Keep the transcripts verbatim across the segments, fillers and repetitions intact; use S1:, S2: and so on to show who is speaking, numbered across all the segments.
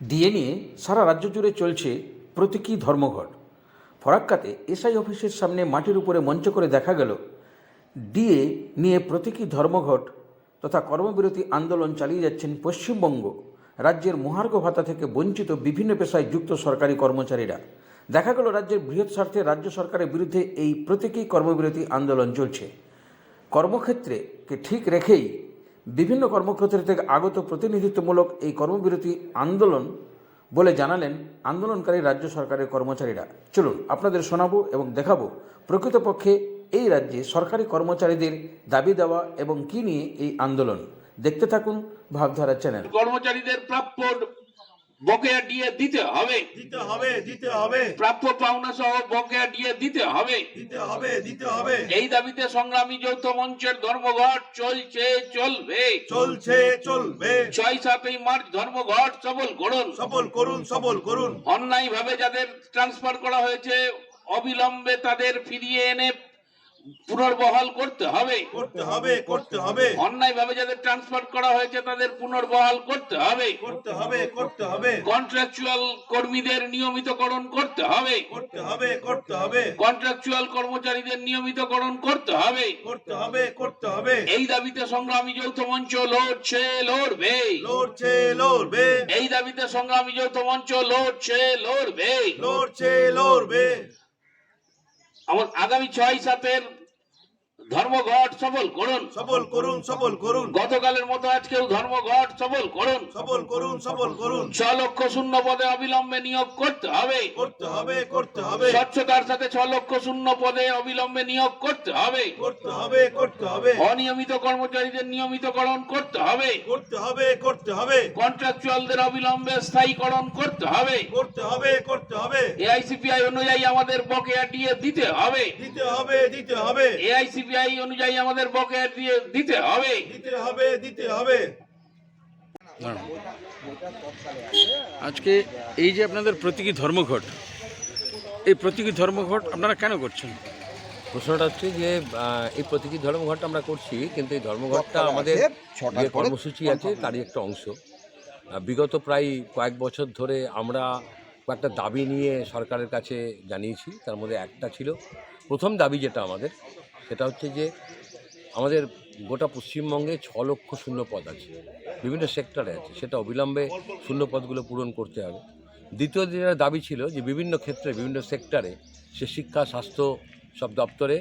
S1: DA নিয়ে সারা রাজ্য জুড়ে চলছে প্রতীকী ধর্মঘট। ফরাক্কাতে এসআই অফিসের সামনে মাটির উপরে মঞ্চ করে দেখা গেল ডিএ নিয়ে প্রতীকী ধর্মঘট তথা কর্মবিরতি আন্দোলন চালিয়ে যাচ্ছেন পশ্চিমবঙ্গ রাজ্যের মহার্ঘ ভাতা থেকে বঞ্চিত বিভিন্ন পেশায় যুক্ত সরকারি কর্মচারীরা। দেখা গেল রাজ্যের বৃহৎ স্বার্থে রাজ্য সরকারের বিরুদ্ধে এই প্রতীকী কর্মবিরতি আন্দোলন চলছে। কর্মক্ষেত্রকে ঠিক রেখেই বিভিন্ন কর্মক্ষেত্র থেকে আগত প্রতিনিধিত্বমূলক এই কর্মবিরতি আন্দোলন বলে জানালেন আন্দোলনকারী রাজ্য সরকারের কর্মচারীরা। চলুন আপনাদের শোনাবো এবং দেখাবো প্রকৃতপক্ষে এই রাজ্যে সরকারি কর্মচারীদের দাবি দেওয়া এবং কি নিয়ে এই আন্দোলন। দেখতে থাকুন ভাবধারা চ্যানেল।
S2: কর্মচারীদের প্রাপ্য বকেয়া ডিএ দিতে হবে
S3: দিতে হবে দিতে হবে
S2: প্রাপ্য পাওনা সহ বকেয়া ডিএ দিতে হবে
S3: দিতে হবে দিতে হবে
S2: এই দাবিতে সংগ্রামী যৌথ মঞ্চের ধর্মঘট চলছে চলবে
S3: চলছে চলবে
S2: ছয় সাতই মার্চ ধর্মঘট সফল করুন
S3: সফল করুন সফল করুন
S2: অন্যায় ভাবে যাদের ট্রান্সফার করা হয়েছে অবিলম্বে তাদের ফিরিয়ে এনে পুনর্বহাল করতে হবে
S3: করতে হবে করতে হবে
S2: অন্যায় ভাবে যাদের ট্রান্সফার করা হয়েছে তাদের পুনর্বহাল করতে হবে
S3: করতে হবে করতে হবে
S2: কন্ট্রাকচুয়াল কর্মীদের নিয়মিতকরণ করতে হবে
S3: করতে হবে করতে হবে
S2: কন্ট্রাকচুয়াল কর্মচারীদের নিয়মিতকরণ করতে হবে
S3: করতে হবে করতে হবে
S2: এই দাবিতে সংগ্রামী যৌথ মঞ্চ লড়ছে লড়বে
S3: লড়ছে লড়বে
S2: এই দাবিতে সংগ্রামী যৌথ মঞ্চ লড়ছে লড়বে
S3: লড়ছে লড়বে
S2: আমার আগামী ছয় সাতের ধর্মঘট সফল করুন
S3: সফল করুন সফল করুন
S2: গতকালের মতো আজকেও ধর্মঘট সফল করুন
S3: সফল করুন সফল করুন
S2: ছ লক্ষ শূন্য পদে অবিলম্বে নিয়োগ করতে হবে
S3: করতে হবে করতে হবে
S2: স্বচ্ছতার সাথে ছ লক্ষ শূন্য পদে অবিলম্বে নিয়োগ করতে হবে
S3: করতে হবে করতে হবে
S2: অনিয়মিত কর্মচারীদের নিয়মিতকরণ করতে হবে
S3: করতে হবে করতে হবে
S2: কন্ট্রাকচুয়ালদের অবিলম্বে স্থায়ীকরণ করতে হবে
S3: করতে হবে করতে হবে
S2: এআইসিপিআই অনুযায়ী আমাদের বকেয়া ডিএ দিতে হবে
S3: দিতে হবে দিতে হবে
S2: এআইসিপিআই অনুযায়ী আমাদের বকেয়া দিয়ে দিতে হবে
S3: দিতে হবে দিতে হবে
S1: আজকে এই যে আপনাদের প্রতীকী ধর্মঘট, এই প্রতীকী ধর্মঘট আপনারা কেন করছেন?
S4: প্রশ্নটা হচ্ছে যে আহ, এই প্রতীকী ধর্মঘটটা আমরা করছি, কিন্তু এই ধর্মঘটটা আমাদের যে কর্মসূচি আছে তারই একটা অংশ। আহ, বিগত প্রায় কয়েক বছর ধরে আমরা কয়েকটা দাবি নিয়ে সরকারের কাছে জানিয়েছি। তার মধ্যে একটা ছিল, প্রথম দাবি যেটা আমাদের, সেটা হচ্ছে যে আমাদের গোটা পশ্চিমবঙ্গে ছ লক্ষ শূন্য পদ আছে, বিভিন্ন সেক্টরে আছে, সেটা অবিলম্বে শূন্য পদগুলো পূরণ করতে হবে। দ্বিতীয় যেটা দাবি ছিল যে বিভিন্ন ক্ষেত্রে বিভিন্ন সেক্টরে, সে শিক্ষা স্বাস্থ্য সব দপ্তরে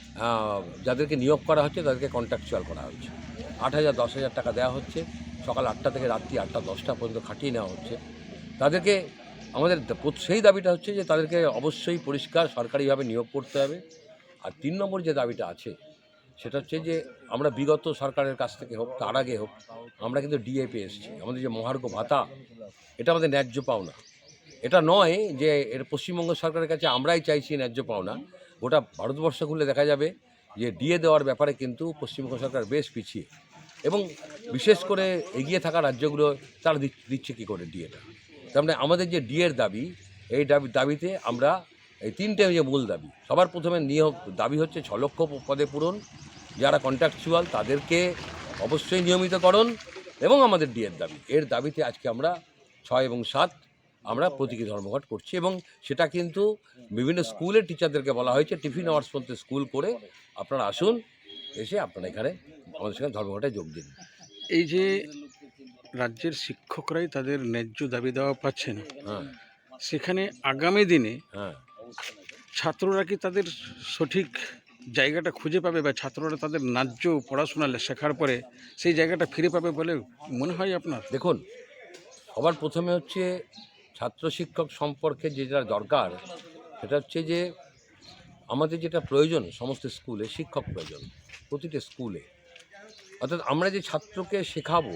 S4: যাদেরকে নিয়োগ করা হচ্ছে তাদেরকে কন্ট্রাকচুয়াল করা হচ্ছে। আট হাজার দশ হাজার টাকা দেওয়া হচ্ছে, সকাল আটটা থেকে রাত্রি আটটা দশটা পর্যন্ত খাটিয়ে নেওয়া হচ্ছে তাদেরকে। আমাদের সেই দাবিটা হচ্ছে যে তাদেরকে অবশ্যই পরিষ্কার সরকারিভাবে নিয়োগ করতে হবে। আর তিন নম্বর যে দাবিটা আছে সেটা হচ্ছে যে আমরা বিগত সরকারের কাছ থেকে হোক তার আগে হোক আমরা কিন্তু ডিএ পেয়ে এসেছি। আমাদের যে মহার্ঘ ভাতা, এটা আমাদের ন্যায্য পাওনা। এটা নয় যে এর পশ্চিমবঙ্গ সরকারের কাছে আমরাই চাইছি ন্যায্য পাওনা। গোটা ভারতবর্ষ ঘুরলে দেখা যাবে যে ডিএ দেওয়ার ব্যাপারে কিন্তু পশ্চিমবঙ্গ সরকার বেশ পিছিয়ে, এবং বিশেষ করে এগিয়ে থাকা রাজ্যগুলো তারা দিচ্ছে কী করে ডিএটা। তার মানে আমাদের যে ডিএর দাবি, এই দাবি দাবিতে আমরা এই তিনটে যে মূল দাবি, সবার প্রথমে নিয়োগ দাবি হচ্ছে ছ লক্ষ পদে পূরণ, যারা কন্ট্রাকচুয়াল তাদেরকে অবশ্যই নিয়মিতকরণ, এবং আমাদের ডিএর দাবি। এর দাবিতে আজকে আমরা ছয় এবং সাত আমরা প্রতীকী ধর্মঘট করছি, এবং সেটা কিন্তু বিভিন্ন স্কুলের টিচারদেরকে বলা হয়েছে টিফিন আওয়ার্স পর্যন্ত স্কুল করে আপনারা আসুন, এসে আপনারা এখানে আমাদের সঙ্গে ধর্মঘটে যোগ দিন।
S1: এই যে রাজ্যের শিক্ষকরাই তাদের ন্যায্য দাবি দেওয়া পাচ্ছে না,
S4: হ্যাঁ
S1: সেখানে আগামী দিনে
S4: হ্যাঁ
S1: ছাত্ররা কি তাদের সঠিক জায়গাটা খুঁজে পাবে, বা ছাত্ররা তাদের ন্যায্য পড়াশোনা শেখার পরে সেই জায়গাটা ফিরে পাবে বলে মনে হয় আপনার?
S4: দেখুন, সবার প্রথমে হচ্ছে ছাত্র শিক্ষক সম্পর্কে যেটা দরকার সেটা হচ্ছে যে আমাদের যেটা প্রয়োজন সমস্ত স্কুলে শিক্ষক প্রয়োজন, প্রতিটা স্কুলে। অর্থাৎ আমরা যে ছাত্রকে শেখাবো,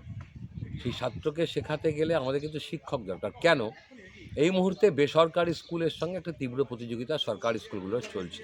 S4: সেই ছাত্রকে শেখাতে গেলে আমাদের কিন্তু শিক্ষক দরকার। কেন? এই মুহূর্তে বেসরকারি স্কুলের সঙ্গে একটা তীব্র প্রতিযোগিতা সরকারি স্কুলগুলো চলছে,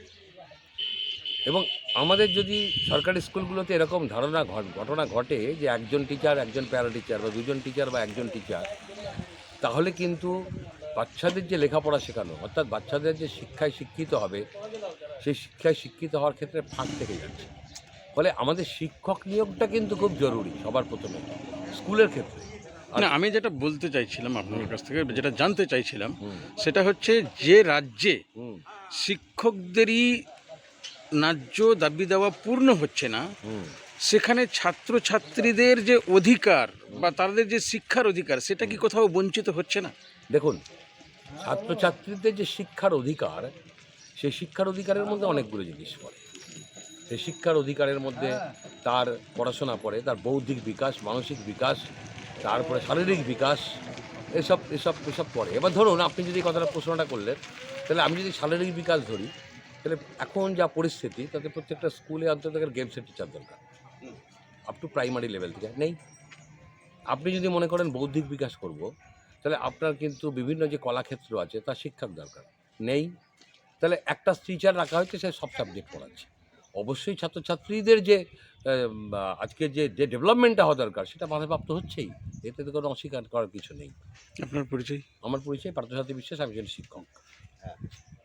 S4: এবং আমাদের যদি সরকারি স্কুলগুলোতে এরকম ধারণা ঘটনা ঘটে যে একজন টিচার একজন প্যারা টিচার বা দুজন টিচার বা একজন টিচার, তাহলে কিন্তু বাচ্চাদের যে লেখাপড়া শেখানো, অর্থাৎ বাচ্চাদের যে শিক্ষায় শিক্ষিত হবে, সেই শিক্ষায় শিক্ষিত হওয়ার ক্ষেত্রে ফাঁক থেকে যাচ্ছে। ফলে আমাদের শিক্ষক নিয়োগটা কিন্তু খুব জরুরি সবার প্রথমে স্কুলের ক্ষেত্রে।
S5: না, আমি যেটা বলতে চাইছিলাম আপনার কাছ থেকে, যেটা জানতে চাইছিলাম,
S4: হুম।
S5: সেটা হচ্ছে যে রাজ্যে
S4: হুম
S5: শিক্ষকদেরই ন্যায্য দাবি দেওয়া পূর্ণ হচ্ছে না,
S4: হুম
S5: সেখানে ছাত্রছাত্রীদের যে অধিকার বা তাদের যে শিক্ষার অধিকার, সেটা কি কোথাও বঞ্চিত হচ্ছে না?
S4: দেখুন, ছাত্রছাত্রীদের যে শিক্ষার অধিকার, সেই শিক্ষার অধিকারের মধ্যে অনেকগুলো জিনিস পড়ে। সেই শিক্ষার অধিকারের মধ্যে তার পড়াশোনা পড়ে, তার বৌদ্ধিক বিকাশ, মানসিক বিকাশ, তারপরে শারীরিক বিকাশ, এসব এসব এসব পড়ে। এবার ধরুন, আপনি যদি এই কথাটা প্রশ্নটা করলেন, তাহলে আমি যদি শারীরিক বিকাশ ধরি, তাহলে এখন যা পরিস্থিতি, তাতে প্রত্যেকটা স্কুলে অন্তত গেমসের টিচার দরকার, আপ টু প্রাইমারি লেভেল থেকে নেই। আপনি যদি মনে করেন বৌদ্ধিক বিকাশ করব, তাহলে আপনার কিন্তু বিভিন্ন যে কলাক্ষেত্র আছে তার শিক্ষক দরকার নেই। তাহলে একটা টিচার রাখা হয়েছে, সে সব সাবজেক্ট পড়াচ্ছে। অবশ্যই ছাত্রছাত্রীদের যে আজকে যে যে ডেভেলপমেন্টটা হওয়া দরকার, সেটা বাধাপ্রাপ্ত হচ্ছেই। এতে তো কোনো অস্বীকার করার কিছু নেই।
S5: আপনার পরিচয়?
S4: আমার পরিচয় পার্থসারথী বিশ্বাস, আমি একজন শিক্ষক।